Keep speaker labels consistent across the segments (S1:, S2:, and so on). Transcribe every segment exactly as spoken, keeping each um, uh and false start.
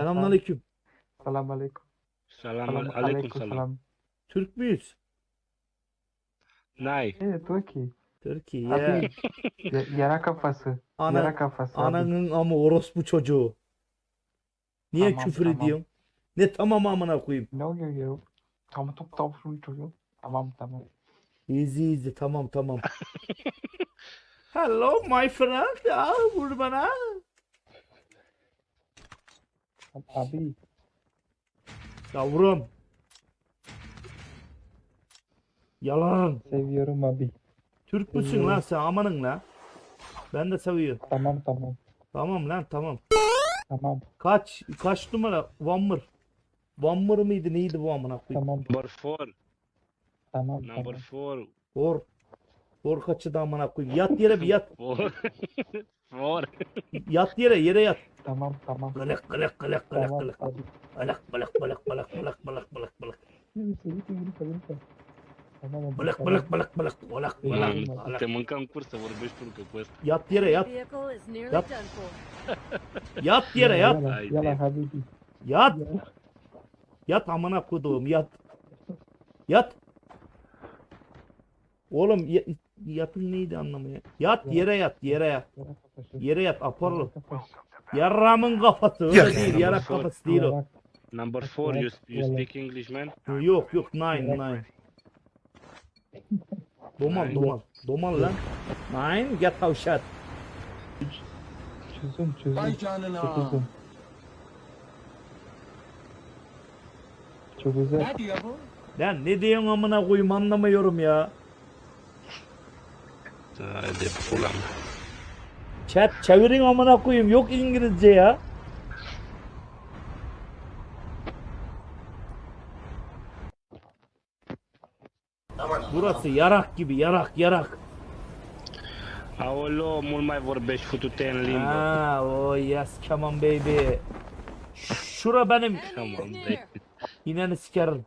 S1: Selamünaleyküm.
S2: Salam aleyküm.
S3: Salam
S2: Salam
S3: alaikum
S2: aleyküm
S3: salam.
S2: salam.
S1: Türk müyüz?
S3: Nay.
S2: Evet Türkiye.
S1: Türkiye.
S2: Abi ya- yara kafası.
S1: Ana,
S2: Yara kafası abi.
S1: ananın ama orospu çocuğu. Niye
S2: Tamam,
S1: küfür
S2: tamam.
S1: ediyorsun? Ne tamam amına koyayım.
S2: No yo yo. Tamam top tavşan çocuğu. Tamam tamam.
S1: Easy easy tamam tamam. Hello my friend. Aa, vur bana.
S2: Abi
S1: Yavrum. Yalan.
S2: seviyorum abi.
S1: Türk müsün lan sen amanın lan. Ben de seviyorum.
S2: Tamam tamam.
S1: Tamam lan tamam.
S2: Tamam
S1: Kaç kaç numara? Vammır. Vammır mıydı neydi bu amına koyayım?
S2: tamam
S3: Number four.
S2: tamam
S3: Number
S2: tamam.
S3: four.
S1: Or. Or kaçı da amına koyayım. Yat yere bir yat.
S3: Four. Four.
S1: Yat yere yere yat.
S2: Tamam tamam.
S1: Gılak gılak gılak gılak
S2: Tamam
S1: gılak.
S2: abi.
S1: Gılak gılak gılak gılak gılak gılak gılak gılak gılak.
S2: Lütfen lütfen lütfen lütfen. Tamam abi.
S1: Gılak
S2: tamam.
S1: gılak gılak gılak gılak gılak
S3: Man,
S1: gılak.
S3: te mâncam curs să vorbești turcă cu ăsta.
S1: Yat yere yat.
S4: Vehicle is nearly
S1: Yep.
S4: done for.
S1: Yat yere yat.
S2: Yala
S3: Haydi.
S2: yala habibi.
S1: Yat.
S2: Yala.
S1: Yat amına koduğum yat. Yat. Oğlum ya- yatın neydi anlamı ya? Yat yere yat yere yat.
S2: Yara kafası.
S1: Yere yat aparlı.
S2: Yara kafası.
S1: Yarramın kafası öyle değil. Yarak kafası değil o.
S2: Yara-
S3: Number four, you, you speak English, man?
S1: Yok yok nine nine. Domal
S3: Nine.
S1: domal. Domal lan. Nine get out shot.
S2: Çözüm çözüm.
S5: Vay canına.
S2: Çözüm. Çok güzel.
S5: Ne diyor bu?
S1: Lan ne diyorsun amına koyayım anlamıyorum ya.
S3: Haide, pula mea.
S1: Chat çevirin amına koyayım yok İngilizce ya. Burası yarak gibi yarak yarak.
S3: Aoleo, mult mai vorbești, futu-te în limbă.
S1: Ha, oh yes come on baby. Şura benim
S3: Come on,
S4: Enemies
S3: baby.
S4: near.
S1: ineni sikerim.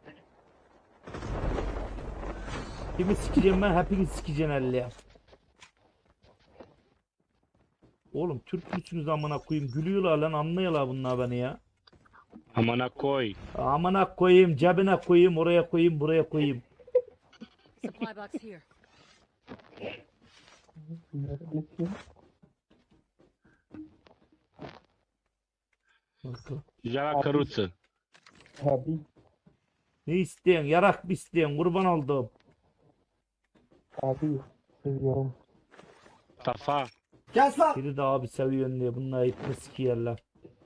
S1: Kimi sikeceğim ben hepiniz sikeceksin elle ya. Oğlum Türk müsünüz amına koyayım gülüyorlar lan anlıyorlar bunlar beni ya.
S3: Amana coi.
S1: Amına koyayım cebine koyayım oraya koyayım buraya koyayım.
S4: Supply box here.
S3: Ja la căruță.
S2: Abi
S1: Ne isteyen yarak mı isteyen kurban oldum.
S2: abi seviyorum.
S3: Tafa.
S1: Biri de abi seviyorsun diye bunlar ipini sikiyerler.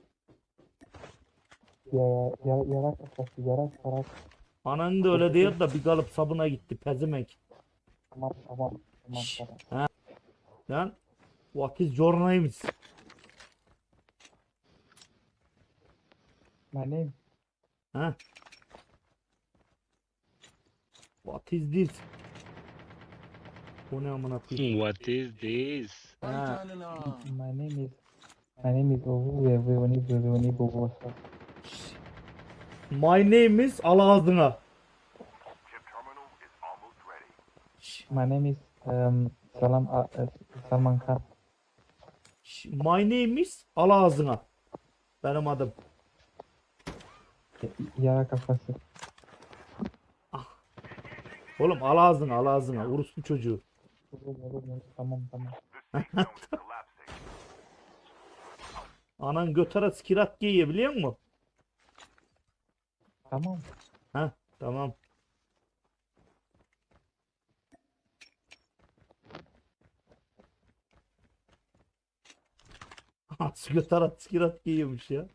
S2: Yara yara yara kafası yara sarak.
S1: Anan da öyle diyor da bir kalıp sabuna gitti pezemek.
S2: Tamam tamam tamam
S1: Şşş.
S2: tamam.
S1: Lan what is your name?
S2: My name
S1: Ha? What is this? O ne amına koyayım?
S3: What is this?
S5: Vay
S1: Ha.
S5: canına.
S2: my name is my name is Ovu ve Vevani Vevani Bobosa.
S1: My name is al ağzına.
S2: My name is um, Salam uh, uh, Salman Khan.
S1: Ş- My name is al ağzına. Benim adım.
S2: Y- Yara kafası.
S1: Oğlum al ağzına al ağzına. Uruslu çocuğu.
S2: Olur olur olur. Tamam tamam.
S1: Anan götara skirat giyiyor biliyor musun?
S2: Tamam.
S1: Ha tamam. Nasıl götara skirat giyiyormuş ya.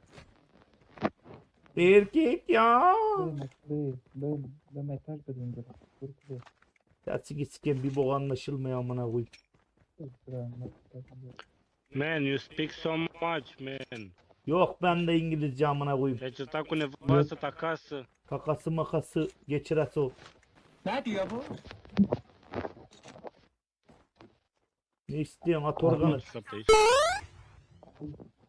S1: Erkek ya.
S2: Böyle böyle böyle böyle mesaj verin böyle. Böyle böyle.
S1: Ya siki siken bir bok anlaşılmıyor amına koyayım.
S2: Böyle mesaj verin.
S3: Man, you speak so much, man.
S1: Yok ben de İngilizce amına koyayım.
S3: Deci sta cu nevastă ta acasă.
S1: Kakası makası geçiresi o.
S5: Ne diyor bu?
S1: Ne istiyorsun at organı.
S3: Nu știu aici.